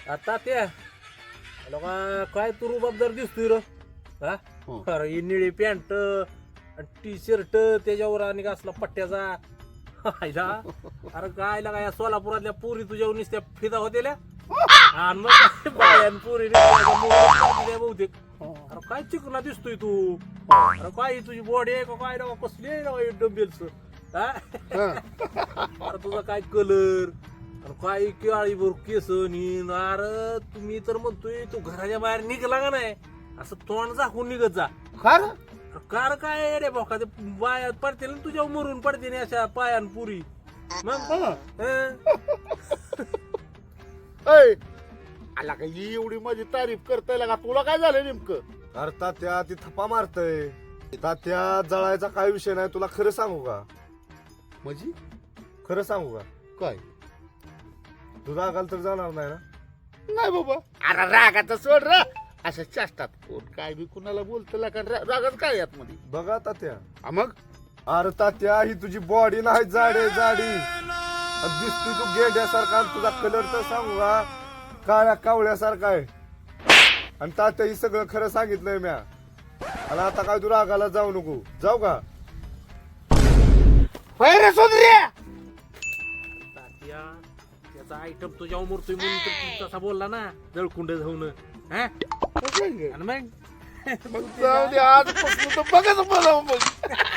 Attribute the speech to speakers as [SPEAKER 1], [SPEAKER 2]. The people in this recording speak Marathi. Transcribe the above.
[SPEAKER 1] आता ते लोका काय तू रुबाबदार दिसतोय र हा अरे ही निळी पॅन्ट टी शर्ट त्याच्यावर आणि असला पट्ट्याचा आयला अरे काय लागा या सोलापुरातल्या पोरी तुझ्या नुसत्या फिदा होतेल्या आणि मग बायान पोरी बहुतेक अरे काय चिकना दिसतोय तू अरे काय तुझी बॉडी आहे का काय ना कसली आहे डंबेल्स अरे तुझा काय कलर काय केळीभर केस नीन अरे तुम्ही तर म्हणतोय तू घराच्या बाहेर निघला का नाही असं तोंड झाकून निघत जा कार काय रे भाऊ ते बाया पडते ना तुझ्या मरून पडते ना अशा पायान पुरी मग
[SPEAKER 2] आला का ही एवढी माझी तारीफ करताय का तुला काय झालं नेमकं?
[SPEAKER 3] अरे तात्या ती थप्पा मारतय तात्या जळायचा काय विषय नाही तुला खरं सांगू का
[SPEAKER 2] म्हणजे
[SPEAKER 3] खरं सांगू का
[SPEAKER 2] काय
[SPEAKER 3] तू रागाल तर जाणार नाही ना
[SPEAKER 2] नाही बाबा अरे रागाचा सोड र अशा चाष्टात कोण काय बी कुणाला बोलतो का रागाच काय यात मध्ये
[SPEAKER 3] बघा तात्या
[SPEAKER 2] मग
[SPEAKER 3] अरे तात्या ही तुझी बॉडी नाही जाडी दिसतोय तू गेंड्यासारखा आणि तुझा कलर तर सांगू का काळ्या कावळ्यासारखा आहे आणि तात्या ही सगळं खरं सांगितलंय म्या आणि आता काय तू रागाला जाऊ नको जाऊ का
[SPEAKER 2] रे सोदऱ्या
[SPEAKER 1] तात्या त्याचा आयटम तुझ्या उमरतोय म्हणून तर तू तसा बोलला ना जळकुंड जाऊन हा आणि मग
[SPEAKER 2] मग जाऊ दे आजपासून तर बघाच मला मग